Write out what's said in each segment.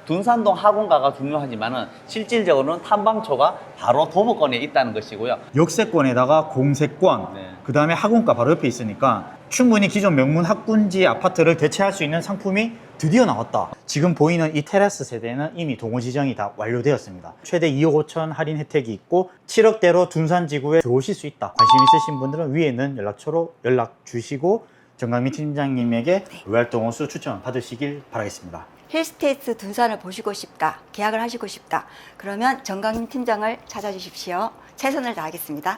둔산동 학원가가 중요하지만은 실질적으로는 탐방초가 바로 도보권에 있다는 것이고요. 역세권에다가 공세권, 네. 그 다음에 학원가 바로 옆에 있으니까 충분히 기존 명문 학군지 아파트를 대체할 수 있는 상품이 드디어 나왔다. 지금 보이는 이 테라스 세대는 이미 동호 지정이 다 완료되었습니다. 최대 2억 5천 할인 혜택이 있고 7억대로 둔산지구에 들어오실 수 있다. 관심 있으신 분들은 위에 있는 연락처로 연락 주시고 정강민 팀장님에게 로얄동 호수 추천 받으시길 바라겠습니다. 힐스테이트 둔산을 보시고 싶다, 계약을 하시고 싶다. 그러면 정강민 팀장을 찾아주십시오. 최선을 다하겠습니다.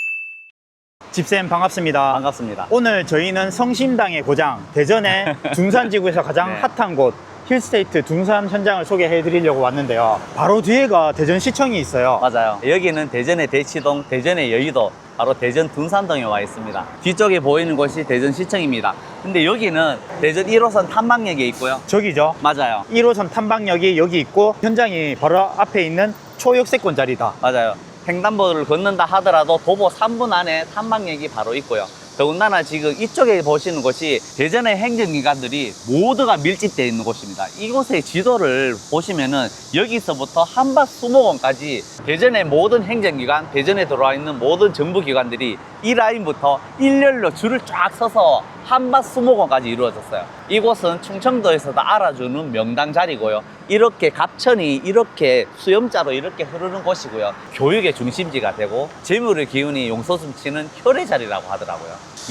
집쌤 반갑습니다. 반갑습니다. 오늘 저희는 성심당의 고장 대전의 둔산지구에서 가장 네. 핫한 곳 힐스테이트 둔산 현장을 소개해 드리려고 왔는데요. 바로 뒤에가 대전시청이 있어요. 맞아요. 여기는 대전의 대치동, 대전의 여의도, 바로 대전 둔산동에 와 있습니다. 뒤쪽에 보이는 곳이 대전시청입니다. 근데 여기는 대전 1호선 탐방역에 있고요. 저기죠. 맞아요. 1호선 탐방역이 여기 있고 현장이 바로 앞에 있는 초역세권 자리다. 맞아요. 횡단보도를 걷는다 하더라도 도보 3분 안에 탐방역이 바로 있고요. 더군다나 지금 이쪽에 보시는 곳이 대전의 행정기관들이 모두가 밀집되어 있는 곳입니다. 이곳의 지도를 보시면은 여기서부터 한밭 수목원까지 대전의 모든 행정기관, 대전에 들어와 있는 모든 정부기관들이 이 라인부터 일렬로 줄을 쫙 서서 한밭 수목원까지 이루어졌어요. 이곳은 충청도에서도 알아주는 명당 자리고요. 이렇게 갑천이 이렇게 수염자로 이렇게 흐르는 곳이고요. 교육의 중심지가 되고 재물의 기운이 용솟음치는 혈의 자리라고 하더라고요.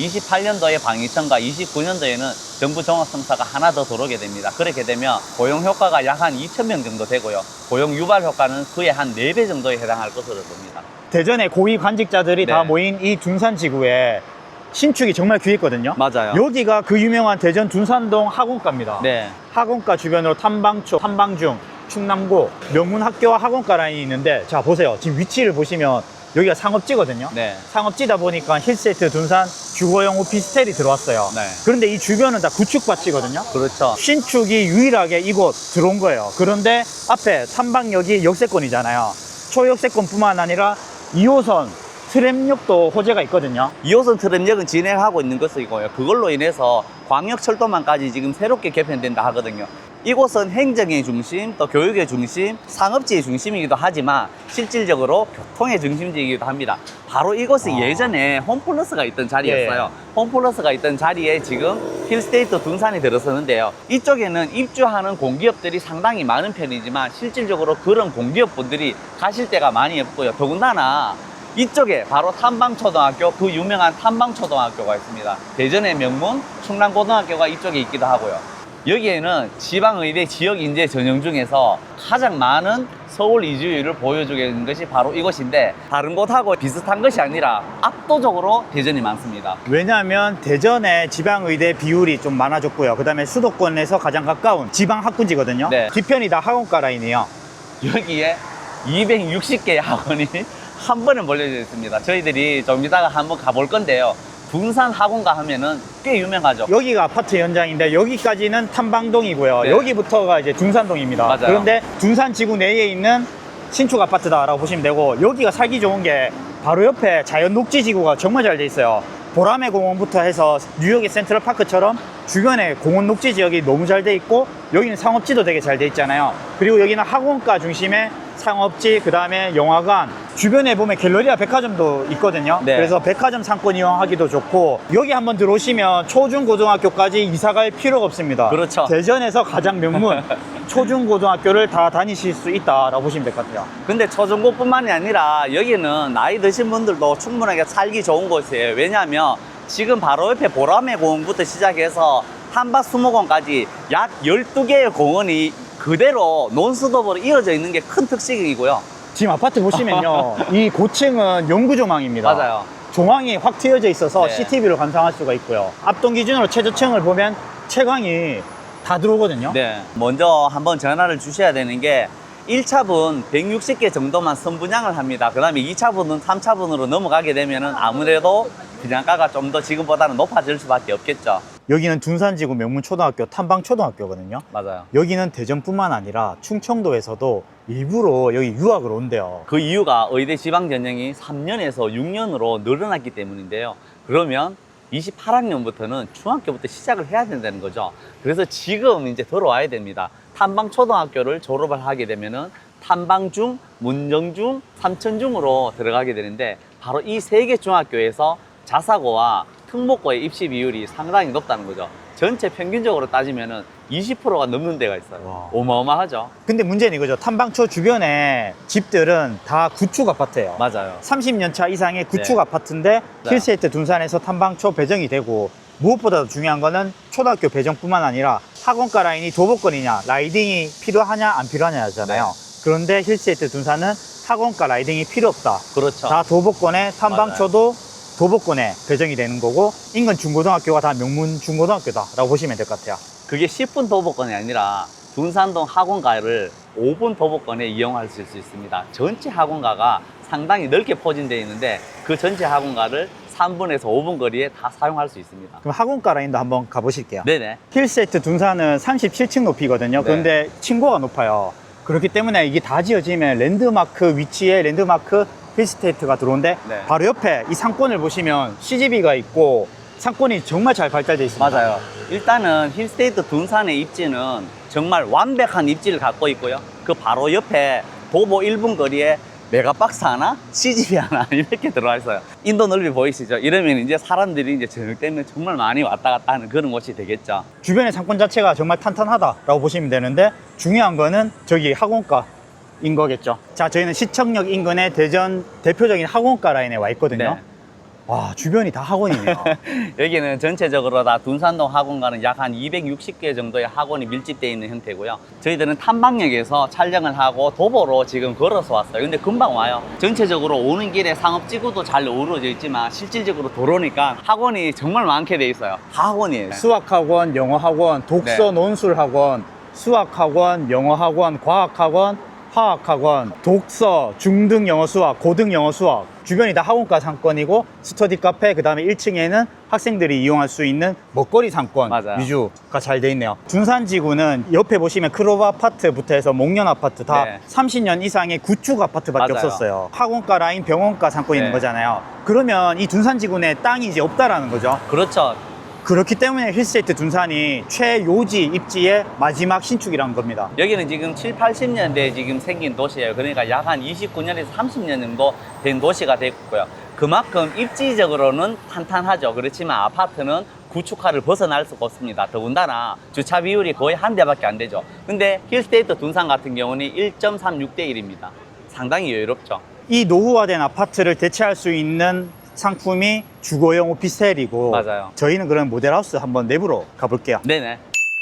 28년도에 방위청과 29년도에는 정부 종합성사가 하나 더 들어오게 됩니다. 그렇게 되면 고용 효과가 약 한 2,000명 정도 되고요. 고용 유발 효과는 그의 한 4배 정도에 해당할 것으로 봅니다. 대전의 고위 관직자들이 네. 다 모인 이 둔산지구에 신축이 정말 귀했거든요. 맞아요. 여기가 그 유명한 대전 둔산동 학원가입니다. 네. 학원가 주변으로 탐방초, 탐방중, 충남고 명문 학교와 학원가 라인이 있는데 자 보세요. 지금 위치를 보시면 여기가 상업지거든요. 네. 상업지다 보니까 힐스테이트 둔산 주거용 오피스텔이 들어왔어요. 네. 그런데 이 주변은 다 구축밭이거든요. 그렇죠. 신축이 유일하게 이곳 들어온 거예요. 그런데 앞에 탐방역이 역세권이잖아요. 초역세권뿐만 아니라 2호선 트램역도 호재가 있거든요. 2호선 트램역은 진행하고 있는 것이고요. 그걸로 인해서 광역철도망까지 지금 새롭게 개편된다 하거든요. 이곳은 행정의 중심, 또 교육의 중심, 상업지의 중심이기도 하지만 실질적으로 교통의 중심지이기도 합니다. 바로 이곳이 예전에 홈플러스가 있던 자리였어요. 홈플러스가 있던 자리에 지금 힐스테이트 둔산이 들어서는데요. 이쪽에는 입주하는 공기업들이 상당히 많은 편이지만 실질적으로 그런 공기업분들이 가실 데가 많이 없고요. 더군다나 이쪽에 바로 탐방초등학교, 그 유명한 탐방초등학교가 있습니다. 대전의 명문 충남고등학교가 이쪽에 있기도 하고요. 여기에는 지방의대 지역인재 전형 중에서 가장 많은 서울 이주율을 보여주게 되는 것이 바로 이곳인데 다른 곳하고 비슷한 것이 아니라 압도적으로 대전이 많습니다. 왜냐하면 대전에 지방의대 비율이 좀 많아졌고요. 그 다음에 수도권에서 가장 가까운 지방학군지거든요. 네. 뒤편이 다 학원가 라인이에요. 여기에 260개의 학원이 한 번에 몰려져 있습니다. 저희들이 좀 이따가 한번 가볼 건데요. 둔산 학원가 하면은 꽤 유명하죠. 여기가 아파트 현장인데 여기까지는 탐방동이고요. 네. 여기부터가 이제 둔산동입니다. 맞아요. 그런데 둔산지구 내에 있는 신축 아파트다라고 보시면 되고 여기가 살기 좋은 게 바로 옆에 자연 녹지지구가 정말 잘 돼 있어요. 보라매 공원부터 해서 뉴욕의 센트럴파크처럼 주변에 공원 녹지 지역이 너무 잘 돼 있고 여기는 상업지도 되게 잘 돼 있잖아요. 그리고 여기는 학원가 중심의 상업지, 그 다음에 영화관, 주변에 보면 갤러리아 백화점도 있거든요. 네. 그래서 백화점 상권 이용하기도 좋고 여기 한번 들어오시면 초중고등학교까지 이사 갈 필요가 없습니다. 그렇죠. 대전에서 가장 명문 초중고등학교를 다 다니실 수 있다라고 보시면 될 것 같아요. 근데 초중고뿐만이 아니라 여기는 나이 드신 분들도 충분하게 살기 좋은 곳이에요. 왜냐하면 지금 바로 옆에 보라매 공원부터 시작해서 한밭 수목원까지 약 12개의 공원이 그대로 논스톱으로 이어져 있는 게 큰 특징이고요. 지금 아파트 보시면요. 이 고층은 연구조망입니다. 맞아요. 조망이 확 트여져 있어서 네. CCTV를 관상할 수가 있고요. 압동 기준으로 최저층을 보면 채광이 다 들어오거든요. 네. 먼저 한번 전화를 주셔야 되는 게 1차분 160개 정도만 선분양을 합니다. 그 다음에 2차분은 3차분으로 넘어가게 되면은 아무래도 분양가가 좀 더 지금보다는 높아질 수밖에 없겠죠. 여기는 둔산지구 명문초등학교 탐방초등학교거든요. 맞아요. 여기는 대전뿐만 아니라 충청도에서도 일부러 여기 유학을 온대요. 그 이유가 의대 지방 전형이 3년에서 6년으로 늘어났기 때문인데요. 그러면 28학년부터는 중학교부터 시작을 해야 된다는 거죠. 그래서 지금 이제 들어와야 됩니다. 탐방초등학교를 졸업을 하게 되면은 탐방중, 문정중, 삼천중으로 들어가게 되는데 바로 이 세 개 중학교에서 자사고와 특목고의 입시 비율이 상당히 높다는 거죠. 전체 평균적으로 따지면은 20%가 넘는 데가 있어요. 와. 어마어마하죠. 근데 문제는 이거죠. 탐방초 주변에 집들은 다 구축 아파트예요. 맞아요. 30년 차 이상의 구축 네. 아파트인데 네. 힐스테이트 둔산에서 탐방초 배정이 되고 무엇보다도 중요한 거는 초등학교 배정뿐만 아니라 학원가 라인이 도보권이냐 라이딩이 필요하냐 안 필요하냐잖아요. 네. 그런데 힐스테이트 둔산은 학원가 라이딩이 필요 없다. 그렇죠. 다 도보권에 탐방초도 도보권에 배정이 되는 거고 인근 중고등학교가 다 명문 중고등학교다라고 보시면 될 것 같아요. 그게 10분 도보권이 아니라 둔산동 학원가를 5분 도보권에 이용할 수 있습니다. 전체 학원가가 상당히 넓게 포진되어 있는데 그 전체 학원가를 3분에서 5분 거리에 다 사용할 수 있습니다. 그럼 학원가 라인도 한번 가보실게요. 네네. 힐스테이트 둔산은 37층 높이거든요. 네. 그런데 층고가 높아요. 그렇기 때문에 이게 다 지어지면 랜드마크 위치에 랜드마크 힐스테이트가 들어오는데 네. 바로 옆에 이 상권을 보시면 CGV가 있고 상권이 정말 잘 발달되어 있습니다. 맞아요. 일단은 힐스테이트 둔산의 입지는 정말 완벽한 입지를 갖고 있고요. 그 바로 옆에 도보 1분 거리에 메가박스 하나, CGV 하나 이렇게 들어와 있어요. 인도 넓이 보이시죠? 이러면 이제 사람들이 이제 저녁 때문에 정말 많이 왔다 갔다 하는 그런 곳이 되겠죠. 주변의 상권 자체가 정말 탄탄하다라고 보시면 되는데 중요한 거는 저기 학원가인 거겠죠. 자, 저희는 시청역 인근의 대전 대표적인 학원가 라인에 와 있거든요. 네. 와, 주변이 다 학원이네요. 여기는 전체적으로 다 둔산동 학원가는 약 한 260개 정도의 학원이 밀집되어 있는 형태고요. 저희들은 탐방역에서 촬영을 하고 도보로 지금 걸어서 왔어요. 근데 금방 와요. 전체적으로 오는 길에 상업지구도 잘 어우러져 있지만 실질적으로 도로니까 학원이 정말 많게 돼 있어요. 다 학원이에요. 수학학원, 영어학원, 독서 네. 논술학원, 수학학원, 영어학원, 과학학원, 화학학원, 독서, 중등 영어 수학, 고등 영어 수학 주변이 다 학원가 상권이고 스터디 카페 그 다음에 1층에는 학생들이 이용할 수 있는 먹거리 상권 맞아요. 위주가 잘 돼 있네요. 둔산지구는 옆에 보시면 크로브 아파트부터 해서 목련 아파트 다 네. 30년 이상의 구축 아파트밖에 맞아요. 없었어요. 학원가 라인 병원가 상권이 있는 네. 거잖아요. 그러면 이 둔산지구 내 땅이 이제 없다라는 거죠. 그렇죠. 그렇기 때문에 힐스테이트 둔산이 최요지 입지의 마지막 신축이란 겁니다. 여기는 지금 7, 80년대에 지금 생긴 도시예요. 그러니까 약 한 29년에서 30년 정도 된 도시가 됐고요. 그만큼 입지적으로는 탄탄하죠. 그렇지만 아파트는 구축화를 벗어날 수가 없습니다. 더군다나 주차 비율이 거의 한 대밖에 안 되죠. 근데 힐스테이트 둔산 같은 경우는 1.36대 1입니다. 상당히 여유롭죠. 이 노후화된 아파트를 대체할 수 있는 상품이 주거용 오피스텔이고 맞아요. 저희는 그럼 모델하우스 한번 내부로 가볼게요. 네네.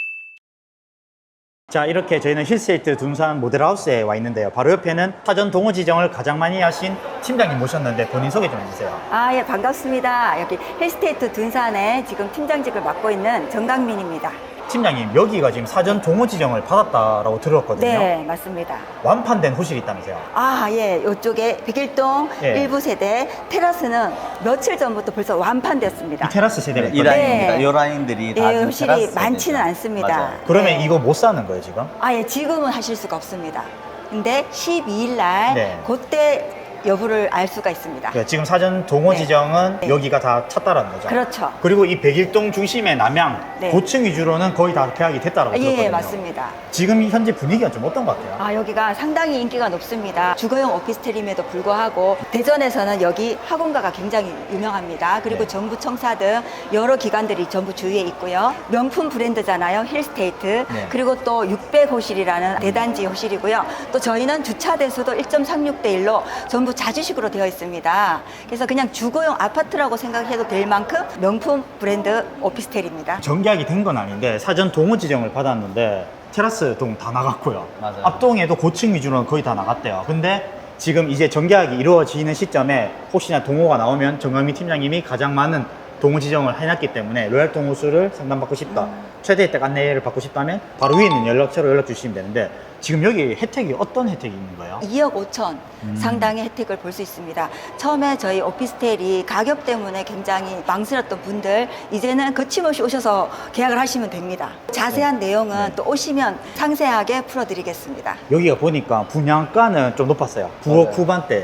자, 이렇게 저희는 힐스테이트 둔산 모델하우스에 와 있는데요. 바로 옆에는 사전 동호 지정을 가장 많이 하신 팀장님 모셨는데 본인 소개 좀 해주세요. 아, 예, 반갑습니다. 여기 힐스테이트 둔산에 지금 팀장직을 맡고 있는 정강민입니다. 팀장님, 여기가 지금 사전 동호 지정을 받았다라고 들었거든요. 네, 맞습니다. 완판된 호실이 있다면서요. 아, 예, 이쪽에 백일동 예. 일부 세대 테라스는 며칠 전부터 벌써 완판됐습니다. 이 테라스 세대가 이 있거든요. 라인입니다. 네. 이 라인들이 다 예, 지금 음실이 테라스 많지는 세대죠. 않습니다. 맞아요. 그러면 네. 이거 못 사는 거예요, 지금? 아, 예, 지금은 하실 수가 없습니다. 근데 12일 날 네. 그때 여부를 알 수가 있습니다. 네, 지금 사전 동호 네. 지정은 네. 여기가 다 찼다라는 거죠. 그렇죠. 그리고 이 백일동 중심의 남양 네. 고층 위주로는 거의 다 계약이 됐다라고 들었거든요. 예, 맞습니다. 지금 현재 분위기가 좀 어떤 것 같아요? 아, 여기가 상당히 인기가 높습니다. 주거용 오피스텔임에도 불구하고 대전에서는 여기 학원가가 굉장히 유명합니다. 그리고 네. 정부 청사 등 여러 기관들이 전부 주위에 있고요. 명품 브랜드잖아요. 힐스테이트. 네. 그리고 또 600호실이라는 대단지 호실이고요. 또 저희는 주차 대수도 1.36대 1로 전부 자주식으로 되어 있습니다. 그래서 그냥 주거용 아파트라고 생각해도 될 만큼 명품 브랜드 오피스텔입니다. 정계약이 된 건 아닌데 사전 동호 지정을 받았는데 테라스 동 다 나갔고요. 맞아요. 앞동에도 고층 위주로는 거의 다 나갔대요. 근데 지금 이제 정계약이 이루어지는 시점에 혹시나 동호가 나오면 정강민 팀장님이 가장 많은 동호 지정을 해놨기 때문에 로얄 동호수를 상담받고 싶다. 최대 혜택 안내를 받고 싶다면 바로 위에 있는 연락처로 연락 주시면 되는데 지금 여기 혜택이 어떤 혜택이 있는 거예요? 2억 5천 상당의 혜택을 볼 수 있습니다. 처음에 저희 오피스텔이 가격 때문에 굉장히 망설였던 분들 이제는 거침없이 오셔서 계약을 하시면 됩니다. 자세한 내용은 네. 또 오시면 상세하게 풀어드리겠습니다. 여기가 보니까 분양가는 좀 높았어요. 9억 맞아요.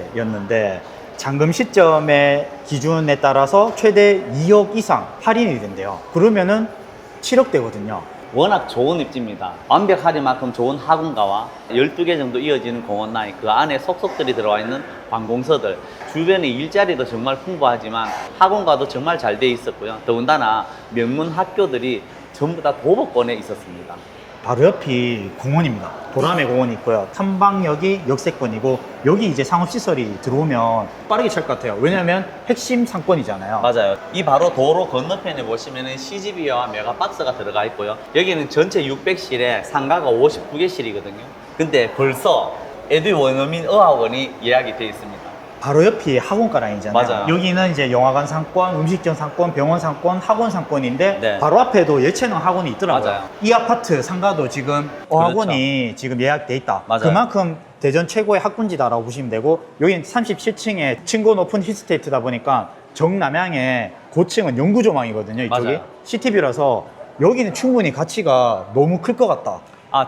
후반대였는데 잔금 시점의 기준에 따라서 최대 2억 이상 할인이 된대요. 그러면은 7억대거든요. 워낙 좋은 입지입니다. 완벽하리만큼 좋은 학원가와 12개 정도 이어지는 공원 라인, 그 안에 속속들이 들어와 있는 관공서들, 주변에 일자리도 정말 풍부하지만 학원가도 정말 잘 돼 있었고요. 더군다나 명문 학교들이 전부 다 도보권에 있었습니다. 바로 옆이 공원입니다. 도람의 공원이 있고요. 탐방역이 역세권이고 여기 이제 상업시설이 들어오면 빠르게 찰 것 같아요. 왜냐하면 핵심 상권이잖아요. 맞아요. 이 바로 도로 건너편에 보시면은 CGV와 메가박스가 들어가 있고요. 여기는 전체 600실에 상가가 59개실이거든요. 근데 벌써 에듀 원어민 어학원이 예약이 돼 있습니다. 바로 옆이 학원가 라인이잖아요. 맞아요. 여기는 이제 영화관 상권, 음식점 상권, 병원 상권, 학원 상권인데 네. 바로 앞에도 예체능 학원이 있더라고요. 맞아요. 이 아파트 상가도 지금 어학원이 지금 예약돼 있다. 맞아요. 그만큼 대전 최고의 학군지다라고 보시면 되고 여기는 37층에 층고 높은 힐스테이트다 보니까 정남향의 고층은 영구조망이거든요. 이쪽이 맞아요. 시티뷰라서 여기는 충분히 가치가 너무 클 것 같다.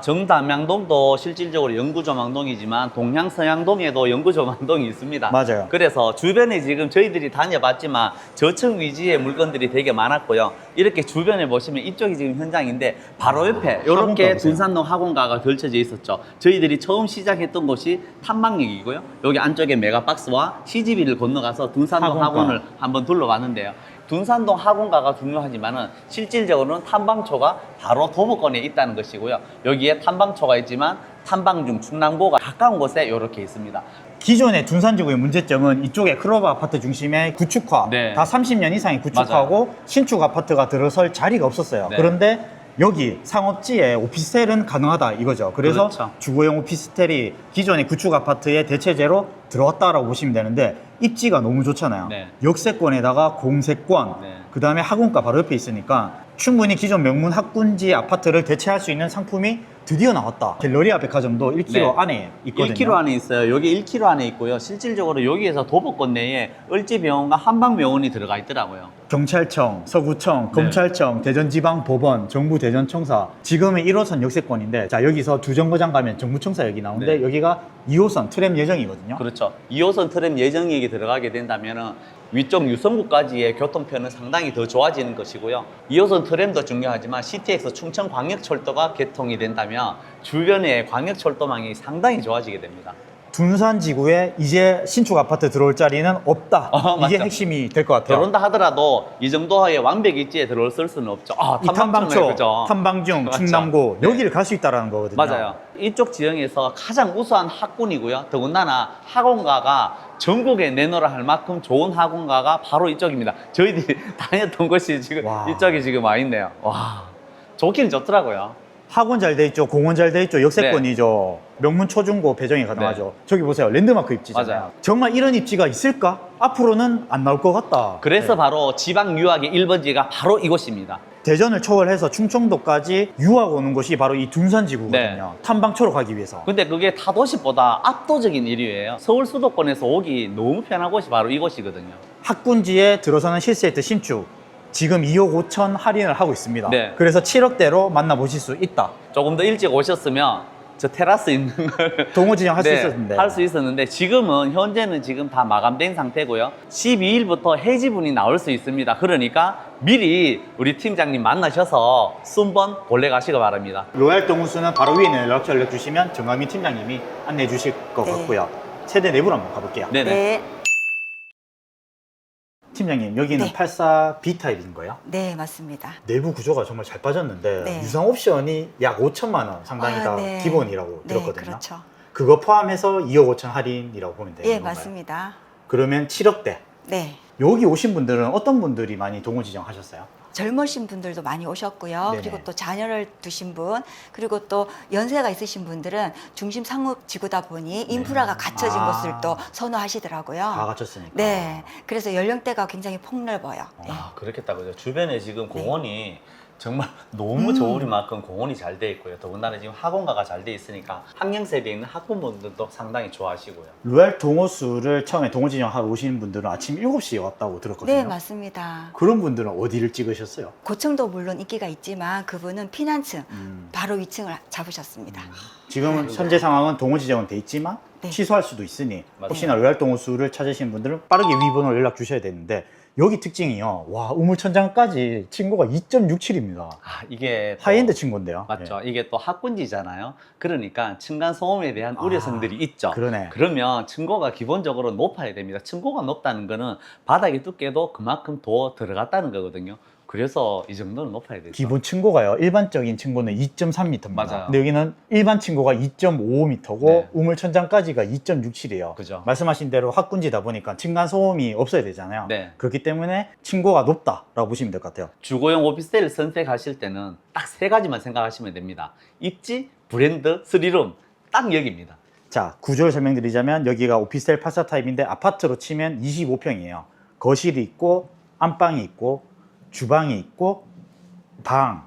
정담양동도 실질적으로 영구조망동이지만 동양서양동에도 영구조망동이 있습니다. 맞아요. 그래서 주변에 지금 저희들이 다녀봤지만 저층 위주의 물건들이 되게 많았고요. 이렇게 주변에 보시면 이쪽이 지금 현장인데 바로 옆에 학원가 이렇게 보세요. 둔산동 학원가가 펼쳐져 있었죠. 저희들이 처음 시작했던 곳이 탐방역이고요. 여기 안쪽에 메가박스와 CGV를 건너가서 둔산동 학원가. 학원을 한번 둘러봤는데요. 둔산동 학원가가 중요하지만은 실질적으로는 탐방초가 바로 도보권에 있다는 것이고요. 여기에 탐방초가 있지만 탐방 중 충남고가 가까운 곳에 이렇게 있습니다. 기존의 둔산지구의 문제점은 이쪽에 클로버 아파트 중심의 구축화, 네. 다 30년 이상이 구축하고 신축 아파트가 들어설 자리가 없었어요. 네. 그런데 여기 상업지에 오피스텔은 가능하다 이거죠. 그래서 그렇죠. 주거용 오피스텔이 기존의 구축 아파트의 대체제로 들어왔다라고 보시면 되는데 입지가 너무 좋잖아요. 네. 역세권에다가 공세권, 네. 그 다음에 학원가 바로 옆에 있으니까 충분히 기존 명문 학군지 아파트를 대체할 수 있는 상품이 드디어 나왔다. 갤러리아 백화점도 1km 네. 안에 있거든요. 1km 안에 있어요. 여기 1km 안에 있고요. 실질적으로 여기에서 도보권 내에 을지병원과 한방병원이 들어가 있더라고요. 경찰청, 서구청, 검찰청, 대전지방법원, 정부 대전청사. 지금은 1호선 역세권인데 자 여기서 두 정거장 가면 정부청사역이 나오는데 네. 여기가 2호선 트램 예정이거든요. 그렇죠. 2호선 트램 예정역이 들어가게 된다면은 위쪽 유성구까지의 교통편은 상당히 더 좋아지는 것이고요. 2호선 트램도 중요하지만 CTX 충청광역철도가 개통이 된다면 주변의 광역철도망이 상당히 좋아지게 됩니다. 둔산지구에 이제 신축 아파트 들어올 자리는 없다. 이게 맞죠. 핵심이 될 것 같아요. 그런다 하더라도 이 정도의 완벽 입지에 들어설 수는 없죠. 이 탐방초, 그죠? 탐방중, 맞죠. 충남고 네. 여기를 갈 수 있다는 거거든요. 맞아요. 이쪽 지형에서 가장 우수한 학군이고요. 더군다나 학원가가 전국에 내놓으라 할 만큼 좋은 학원가가 바로 이쪽입니다. 저희들이 다녔던 곳이 지금 와. 이쪽에 지금 와 있네요. 와, 좋긴 좋더라고요. 학원 잘 돼 있죠, 공원 잘 돼 있죠, 역세권이죠. 명문 초중고 배정이 가능하죠. 저기 보세요, 랜드마크 입지잖아요. 맞아요. 정말 이런 입지가 있을까? 앞으로는 안 나올 것 같다. 그래서 네. 바로 지방 유학의 1번지가 바로 이곳입니다. 대전을 초월해서 충청도까지 유학 오는 곳이 바로 이 둔산지구거든요. 네. 탐방초로 가기 위해서. 근데 그게 타 도시보다 압도적인 1위예요. 서울 수도권에서 오기 너무 편한 곳이 바로 이곳이거든요. 학군지에 들어서는 실세이트 신축. 지금 2억 5천 할인을 하고 있습니다. 네. 그래서 7억대로 만나보실 수 있다. 조금 더 일찍 오셨으면 저 테라스 있는 걸 동호 지정 할 수 있었는데. 할 수 있었는데 지금은 현재는 지금 다 마감된 상태고요. 12일부터 해지분이 나올 수 있습니다. 그러니까 미리 우리 팀장님 만나셔서 순번 본래 가시기 바랍니다. 로얄 동호수는 바로 위에 있는 연락처를 주시면 정강민 팀장님이 안내해 주실 것 네. 같고요. 세대 내부로 한번 가볼게요. 네네. 네. 팀장님, 여기는 네. 84 B타입인 거예요? 네, 맞습니다. 내부 구조가 정말 잘 빠졌는데 네. 유상 옵션이 약 5천만 원 상당히 다 네. 기본이라고 네, 들었거든요. 그렇죠. 그거 포함해서 2억 5천 할인이라고 보면 되는 예, 건가요? 맞습니다. 그러면 7억대. 네. 여기 오신 분들은 어떤 분들이 많이 동호 지정하셨어요? 젊으신 분들도 많이 오셨고요. 네네. 그리고 또 자녀를 두신 분, 그리고 또 연세가 있으신 분들은 중심 상업 지구다 보니 인프라가 갖춰진 아. 곳을 또 선호하시더라고요. 다 갖췄으니까. 네. 그래서 연령대가 굉장히 폭넓어요. 네. 아, 그렇겠다 그죠. 주변에 지금 공원이 정말 너무 좋을 만큼 공원이 잘 돼 있고요. 더군다나 지금 학원가가 잘 돼 있으니까 학령 세대에 있는 학부모들도 상당히 좋아하시고요. 로얄 동호수를 처음에 동호 지정하러 오시는 분들은 아침 7시에 왔다고 들었거든요. 네, 맞습니다. 그런 분들은 어디를 찍으셨어요? 고층도 물론 인기가 있지만 그분은 피난층 음. 바로 위층을 잡으셨습니다. 지금 현재 상황은 동호 지정은 돼 있지만 네. 취소할 수도 있으니 맞아요. 혹시나 로얄 동호수를 찾으시는 분들은 빠르게 위 번호로 연락 주셔야 되는데 여기 특징이요. 와, 우물천장까지 층고가 2.67입니다. 아, 이게 또- 하이엔드 층고인데요. 맞죠. 이게 또 학군지잖아요. 그러니까 층간 소음에 대한 아, 우려성들이 있죠. 그러네. 그러면 층고가 기본적으로 높아야 됩니다. 층고가 높다는 거는 바닥의 두께도 그만큼 더 들어갔다는 거거든요. 그래서 이 정도는 높아야 되죠. 기본 층고가요. 일반적인 층고는 2.3m입니다. 맞아요. 근데 여기는 일반 층고가 2.55m고 네. 우물천장까지가 2.67이에요. 그죠. 말씀하신 대로 학군지다 보니까 층간 소음이 없어야 되잖아요. 네. 그렇기 때문에 층고가 높다라고 보시면 될 것 같아요. 주거용 오피스텔을 선택하실 때는 딱 세 가지만 생각하시면 됩니다. 입지, 브랜드, 스리룸. 딱 여기입니다. 자, 구조를 설명드리자면 여기가 오피스텔 파사 타입인데 아파트로 치면 25평이에요. 거실이 있고 안방이 있고 주방이 있고 방,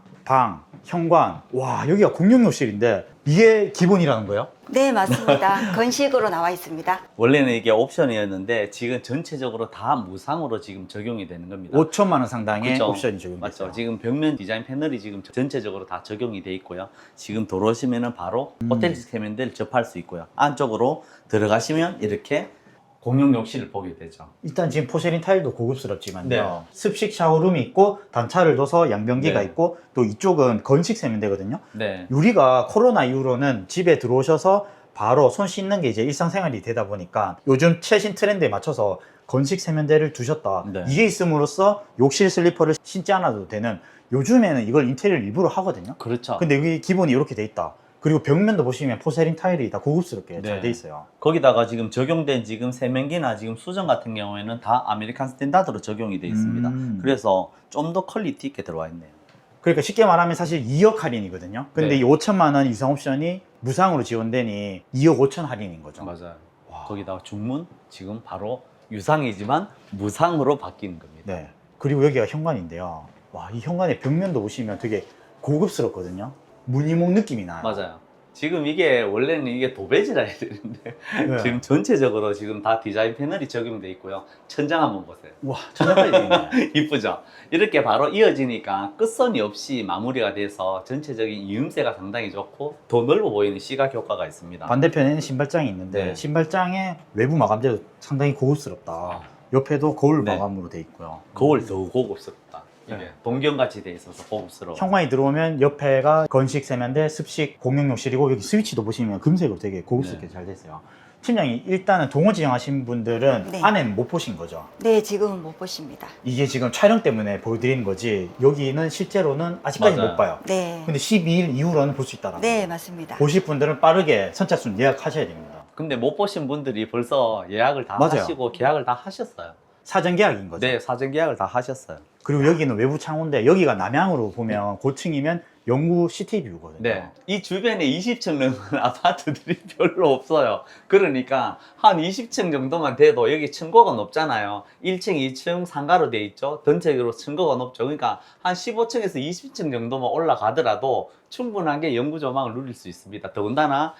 현관. 와, 여기가 공용욕실인데 이게 기본이라는 거예요? 네, 맞습니다. 건식으로 나와 있습니다. 원래는 이게 옵션이었는데 지금 전체적으로 다 무상으로 지금 적용이 되는 겁니다. 5천만 원 상당의 그쵸? 옵션이 적용됐어요. 맞죠. 지금 벽면 디자인 패널이 지금 전체적으로 다 적용이 돼 있고요. 지금 들어오시면은 바로 호텔 시스템인들 접할 수 있고요. 안쪽으로 들어가시면 이렇게 공용 욕실을 보게 되죠. 일단 지금 포세린 타일도 고급스럽지만요. 네. 습식 샤워룸이 있고 단차를 둬서 양변기가 네. 있고 또 이쪽은 건식 세면대거든요. 네. 우리가 코로나 이후로는 집에 들어오셔서 바로 손 씻는 게 이제 일상생활이 되다 보니까 요즘 최신 트렌드에 맞춰서 건식 세면대를 두셨다. 네. 이게 있음으로써 욕실 슬리퍼를 신지 않아도 되는, 요즘에는 이걸 인테리어를 일부러 하거든요. 그렇죠. 근데 여기 기본이 이렇게 돼 있다. 그리고 벽면도 보시면 포세린 타일이 다 고급스럽게 네. 잘 돼 있어요. 거기다가 지금 적용된 지금 세면기나 지금 수전 같은 경우에는 다 아메리칸 스탠다드로 적용이 되어 있습니다. 그래서 좀 더 퀄리티 있게 들어와 있네요. 그러니까 쉽게 말하면 사실 2억 할인이거든요. 근데 네. 이 5천만 원 유상 옵션이 무상으로 지원되니 2억 5천 할인인 거죠. 맞아요. 거기다가 중문 지금 바로 유상이지만 무상으로 바뀌는 겁니다. 네. 그리고 여기가 현관인데요. 와, 이 현관의 벽면도 보시면 되게 고급스럽거든요. 무늬목 느낌이 나요. 맞아요. 지금 이게 원래는 이게 도배지라 해야 되는데 네. 지금 전체적으로 지금 다 디자인 패널이 적용돼 있고요. 천장 한번 보세요. 와, 천장까지 돼 있네. 이쁘죠? 이렇게 바로 이어지니까 끝선이 없이 마무리가 돼서 전체적인 이음새가 상당히 좋고 더 넓어 보이는 시각 효과가 있습니다. 반대편에는 신발장이 있는데 네. 신발장의 외부 마감재도 상당히 고급스럽다. 옆에도 거울 네. 마감으로 돼 있고요. 거울 더 고급스럽다. 이게 네. 동경같이 돼 있어서 고급스러워. 현관이 들어오면 옆에가 건식 세면대, 습식 공용욕실이고 여기 스위치도 보시면 금색으로 되게 고급스럽게 네. 잘 됐어요. 팀장님, 일단은 동호 지정하신 분들은 네. 안에는 못 보신 거죠? 네, 지금은 못 보십니다. 이게 지금 촬영 때문에 보여드리는 거지 여기는 실제로는 아직까지 맞아요. 못 봐요. 네. 근데 12일 이후로는 볼 수 있다라는 네, 거예요. 맞습니다. 보실 분들은 빠르게 선착순 예약하셔야 됩니다. 근데 못 보신 분들이 벌써 예약을 다 맞아요. 하시고 계약을 다 하셨어요. 사전 계약인 거죠. 네, 사전 계약을 다 하셨어요. 그리고 여기는 외부 창호인데 여기가 남향으로 보면 고층이면 영구 시티뷰거든요. 네. 이 주변에 20층 넘는 아파트들이 별로 없어요. 그러니까 한 20층 정도만 돼도 여기 층고가 높잖아요. 1층, 2층 상가로 돼 있죠. 전체적으로 층고가 높죠. 그러니까 한 15층에서 20층 정도만 올라가더라도 충분하게 영구 조망을 누릴 수 있습니다. 더군다나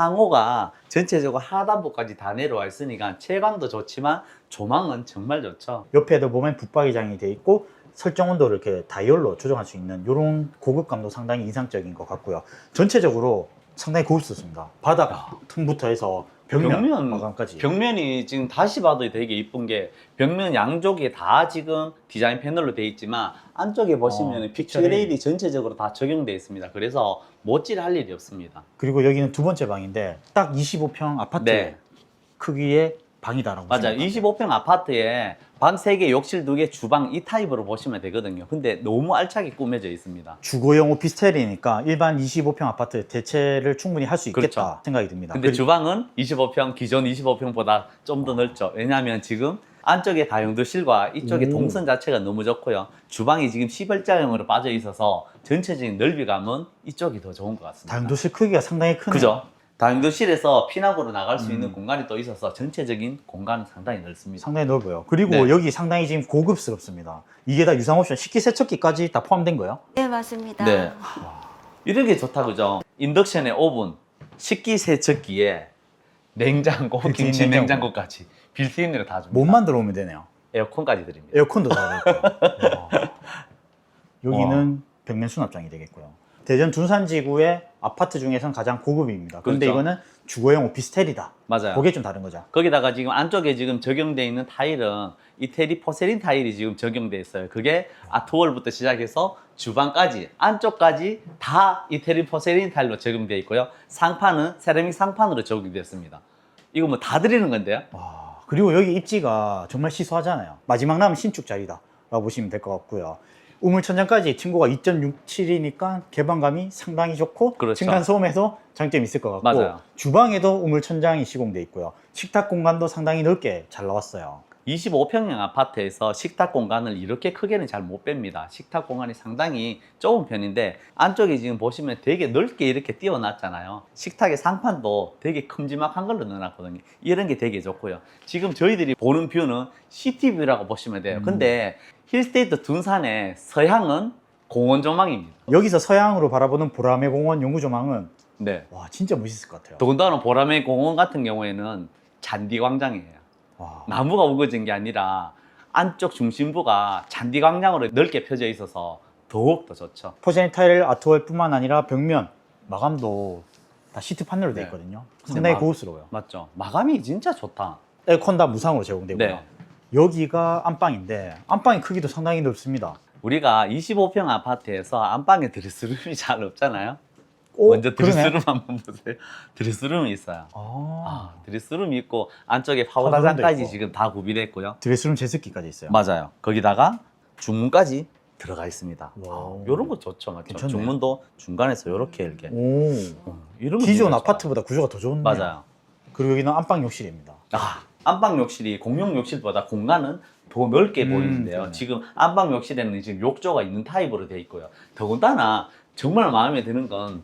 창호가 전체적으로 하단부까지 다 내려와 있으니까 채광도 좋지만 조망은 정말 좋죠. 옆에도 보면 붙박이장이 돼 있고 설정 온도를 이렇게 다이얼로 조정할 수 있는 이런 고급감도 상당히 인상적인 것 같고요. 전체적으로 상당히 고급스럽습니다. 바닥 틈부터 해서 벽면 마감까지. 벽면이 지금 다시 봐도 되게 이쁜 게 벽면 양쪽에 다 지금 디자인 패널로 되어 있지만 안쪽에 보시면 픽처 레일이 전체적으로 다 적용되어 있습니다. 그래서 못질할 일이 없습니다. 그리고 여기는 두 번째 방인데 딱 25평 아파트 네. 크기의 방이다라고 맞아요. 보시면 돼요. 25평 아파트에 방 3개, 욕실 2개, 주방 이 타입으로 보시면 되거든요. 근데 너무 알차게 꾸며져 있습니다. 주거용 오피스텔이니까 일반 25평 아파트 대체를 충분히 할 수 있겠다 그렇죠. 생각이 듭니다. 근데 주방은 25평, 기존 25평보다 좀 더 넓죠. 왜냐하면 지금 안쪽에 다용도실과 이쪽에 오. 동선 자체가 너무 좋고요. 주방이 지금 시벌자형으로 빠져 있어서 전체적인 넓이감은 이쪽이 더 좋은 것 같습니다. 다용도실 크기가 상당히 크네요. 그죠? 다용도실에서 피난구로 나갈 수 있는 공간이 또 있어서 전체적인 공간은 상당히 넓습니다. 상당히 넓어요. 그리고 네. 여기 상당히 지금 고급스럽습니다. 이게 다 유상 옵션 식기세척기까지 다 포함된 거예요? 네, 맞습니다. 네. 이렇게 좋다 그죠? 인덕션에 오븐, 식기세척기에 냉장고, 빌트인 김치 냉장고. 냉장고까지 빌트인으로 다 줍니다. 몸만 들어오면 되네요. 에어컨까지 드립니다. 에어컨도 다 되고. 여기는 벽면 수납장이 되겠고요. 대전 둔산지구의 아파트 중에서는 가장 고급입니다. 근데 그렇죠. 이거는 주거용 오피스텔이다. 맞아요. 그게 좀 다른 거죠. 거기다가 지금 안쪽에 지금 적용되어 있는 타일은 이태리 포세린 타일이 지금 적용되어 있어요. 그게 아트월부터 시작해서 주방까지 안쪽까지 다 이태리 포세린 타일로 적용되어 있고요. 상판은 세라믹 상판으로 적용되었습니다. 이거 뭐 다 드리는 건데요. 그리고 여기 입지가 정말 시소하잖아요. 마지막 남은 신축 자리다 라고 보시면 될 것 같고요. 우물천장까지 층고가 2.67이니까 개방감이 상당히 좋고 그렇죠. 층간소음에도 장점이 있을 것 같고 맞아요. 주방에도 우물천장이 시공돼 있고요. 식탁 공간도 상당히 넓게 잘 나왔어요. 25평형 아파트에서 식탁 공간을 이렇게 크게는 잘 못 뺍니다. 식탁 공간이 상당히 좁은 편인데 안쪽에 지금 보시면 되게 넓게 이렇게 띄워놨잖아요. 식탁의 상판도 되게 큼지막한 걸로 넣어놨거든요. 이런 게 되게 좋고요. 지금 저희들이 보는 뷰는 시티뷰라고 보시면 돼요. 근데 힐스테이트 둔산의 서향은 공원 조망입니다. 여기서 서양으로 바라보는 보라매 공원 연구조망은 네. 와 진짜 멋있을 것 같아요. 더군다나 보라매 공원 같은 경우에는 잔디 광장이에요. 와. 나무가 우거진 게 아니라 안쪽 중심부가 잔디 광량으로 넓게 펴져 있어서 더욱더 좋죠. 포세린 타일 아트월뿐만 아니라 벽면 마감도 다 시트 판넬로 되어 네. 있거든요. 근데 상당히 마- 고급스러워요. 맞죠? 마감이 진짜 좋다. 에어컨 다 무상으로 제공되고요. 네. 여기가 안방인데 안방의 크기도 상당히 넓습니다. 우리가 25평 아파트에서 안방에 드레스룸이 잘 없잖아요. 오, 먼저 드레스룸 그러네. 한번 보세요. 드레스룸이 있어요. 아, 드레스룸이 있고 안쪽에 파우더룸도 파우더장까지 있고. 지금 다 구비됐고요. 드레스룸 제습기까지 있어요. 맞아요. 거기다가 중문까지 들어가 있습니다. 와우. 이런 거 좋죠, 맞죠? 괜찮네. 중문도 중간에서 이렇게 이렇게. 오, 이런 거 기존 되게 아파트보다 구조가 더 좋네요. 좋아요. 맞아요. 그리고 여기는 안방 욕실입니다. 안방 욕실이 공용 욕실보다 공간은 더 넓게 보이는데요. 네. 지금 안방 욕실에는 지금 욕조가 있는 타입으로 되어 있고요. 더군다나 정말 마음에 드는 건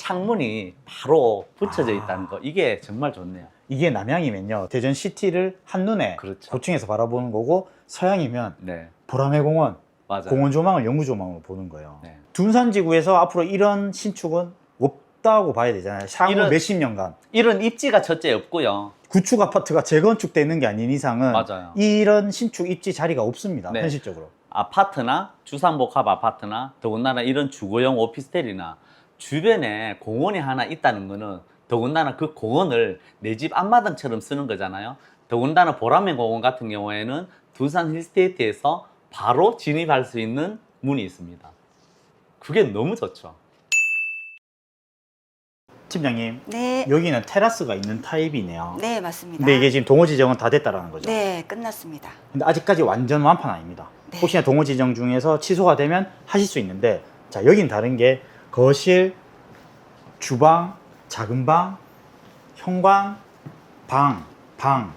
창문이 바로 붙여져 있다는 거. 이게 정말 좋네요. 이게 남향이면요 대전 시티를 한눈에 그렇죠. 고층에서 바라보는 거고 서양이면 네, 보라매 공원, 맞아요. 공원 조망을 연구 조망으로 보는 거예요. 네. 둔산지구에서 앞으로 이런 신축은 없다고 봐야 되잖아요. 향후 이런- 몇십 년간 이런 입지가 첫째 없고요. 구축 아파트가 재건축되는 게 아닌 이상은 맞아요. 이런 신축 입지 자리가 없습니다. 네. 현실적으로. 아파트나 주상복합 아파트나 더군다나 이런 주거용 오피스텔이나 주변에 공원이 하나 있다는 거는 더군다나 그 공원을 내 집 앞마당처럼 쓰는 거잖아요. 더군다나 보라매 공원 같은 경우에는 두산 힐스테이트에서 바로 진입할 수 있는 문이 있습니다. 그게 너무 좋죠. 팀장님, 네, 여기는 테라스가 있는 타입이네요. 네 맞습니다. 근데 이게 지금 동호 지정은 다 됐다라는 거죠. 네 끝났습니다. 근데 아직까지 완전 완판 아닙니다. 네. 혹시나 동호 지정 중에서 취소가 되면 하실 수 있는데, 자 여긴 다른 게 거실, 주방, 작은 방, 현관, 방,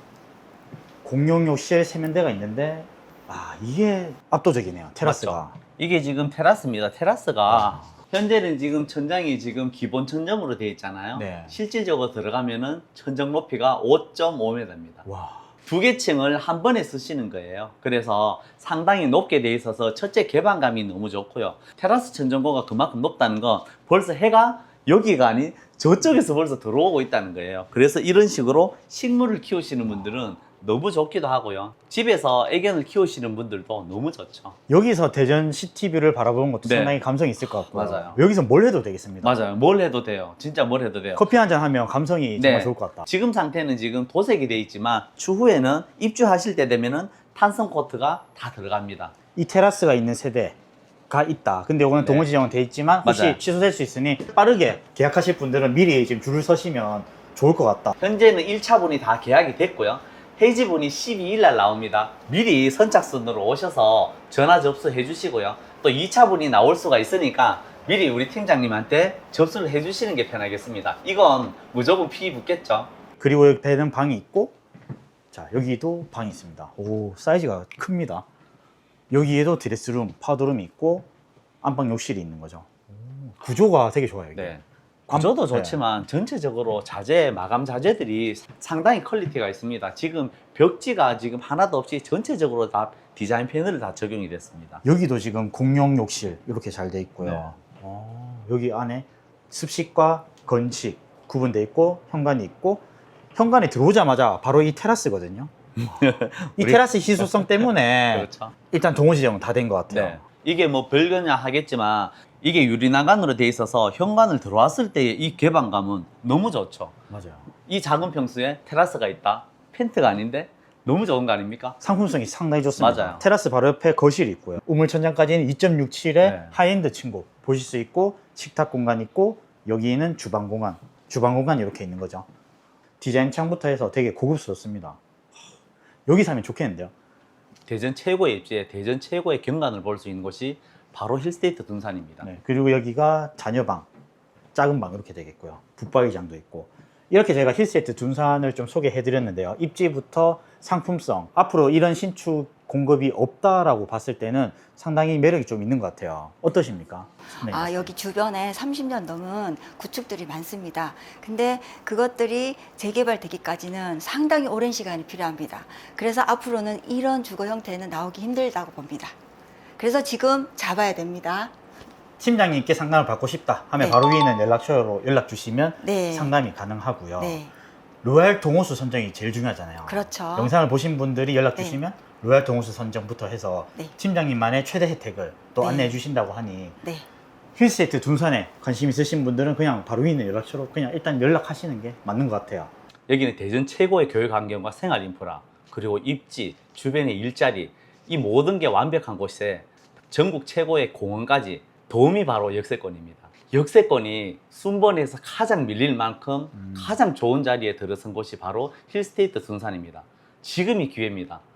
공용 욕실, 세면대가 있는데 이게 압도적이네요. 테라스가. 맞죠? 이게 지금 테라스입니다. 테라스가 현재는 지금 천장이 지금 기본 천정으로 되어 있잖아요. 네. 실질적으로 들어가면은 천정 높이가 5.5m입니다. 와. 두 개 층을 한 번에 쓰시는 거예요. 그래서 상당히 높게 돼 있어서 첫째 개방감이 너무 좋고요. 테라스 천정고가 그만큼 높다는 건 벌써 해가 여기가 아닌 저쪽에서 벌써 들어오고 있다는 거예요. 그래서 이런 식으로 식물을 키우시는 분들은 너무 좋기도 하고요. 집에서 애견을 키우시는 분들도 너무 좋죠. 여기서 대전 시티뷰를 바라보는 것도 네. 상당히 감성이 있을 것 같고요. 맞아요. 여기서 뭘 해도 되겠습니다. 맞아요. 뭘 해도 돼요. 진짜 뭘 해도 돼요. 커피 한잔 하면 감성이 정말 좋을 것 같다. 지금 상태는 지금 도색이 돼 있지만 추후에는 입주하실 때 되면은 탄성 코트가 다 들어갑니다. 이 테라스가 있는 세대가 있다. 근데 이거는 네. 동호 지정은 돼 있지만 혹시 맞아요. 취소될 수 있으니 빠르게 계약하실 분들은 미리 지금 줄을 서시면 좋을 것 같다. 현재는 1차분이 다 계약이 됐고요. 해지분이 12일 날 나옵니다. 미리 선착순으로 오셔서 전화 접수해 주시고요. 또 2차분이 나올 수가 있으니까 미리 우리 팀장님한테 접수를 해 주시는 게 편하겠습니다. 이건 무조건 피 붙겠죠. 그리고 옆에는 방이 있고, 자 여기도 방이 있습니다. 오 사이즈가 큽니다. 여기에도 드레스룸, 파우더룸이 있고 안방 욕실이 있는 거죠. 구조가 되게 좋아요. 이게. 네. 구조도 네. 좋지만 전체적으로 자재, 마감 자재들이 상당히 퀄리티가 있습니다. 지금 벽지가 지금 하나도 없이 전체적으로 다 디자인 패널을 다 적용이 됐습니다. 여기도 지금 공용 욕실 이렇게 잘 돼 있고요. 네. 여기 안에 습식과 건식 구분돼 있고 현관이 있고, 현관에 들어오자마자 바로 이 테라스거든요. 이 우리- 테라스 희소성 때문에 그렇죠. 일단 동호 지정은 다 된 것 같아요. 네. 이게 뭐 별거냐 하겠지만 이게 유리난간으로 돼 있어서 현관을 들어왔을 때의 이 개방감은 너무 좋죠. 맞아요. 이 작은 평수에 테라스가 있다. 펜트가 아닌데 너무 좋은 거 아닙니까? 상품성이 상당히 좋습니다. 맞아요. 테라스 바로 옆에 거실이 있고요. 우물천장까지는 2.67의 네. 하이엔드 층고 보실 수 있고 식탁 공간 있고 여기는 주방 공간. 주방 공간이 이렇게 있는 거죠. 디자인 창부터 해서 되게 고급스럽습니다. 여기 사면 좋겠는데요. 대전 최고의 입지에 대전 최고의 경관을 볼 수 있는 곳이 바로 힐스테이트 둔산입니다. 네, 그리고 여기가 자녀방, 작은 방 이렇게 되겠고요. 붙박이장도 있고. 이렇게 제가 힐스테이트 둔산을 좀 소개해 드렸는데요. 입지부터 상품성, 앞으로 이런 신축 공급이 없다라고 봤을 때는 상당히 매력이 좀 있는 것 같아요. 어떠십니까? 네. 여기 주변에 30년 넘은 구축들이 많습니다. 근데 그것들이 재개발되기까지는 상당히 오랜 시간이 필요합니다. 그래서 앞으로는 이런 주거 형태는 나오기 힘들다고 봅니다. 그래서 지금 잡아야 됩니다. 팀장님께 상담을 받고 싶다 하면 네. 바로 위에 있는 연락처로 연락 주시면 네. 상담이 가능하고요. 네, 로얄 동호수 선정이 제일 중요하잖아요. 그렇죠. 영상을 보신 분들이 연락 네. 주시면 로얄 동호수 선정부터 해서 네. 팀장님만의 최대 혜택을 또 네. 안내해 주신다고 하니 네. 힐스테이트 둔산에 관심 있으신 분들은 그냥 바로 위에 있는 연락처로 그냥 일단 연락하시는 게 맞는 것 같아요. 여기는 대전 최고의 교육 환경과 생활 인프라, 그리고 입지, 주변의 일자리, 이 모든 게 완벽한 곳에 전국 최고의 공원까지 도움이 바로 역세권입니다. 역세권이 순번에서 가장 밀릴 만큼 가장 좋은 자리에 들어선 곳이 바로 힐스테이트 둔산입니다. 지금이 기회입니다.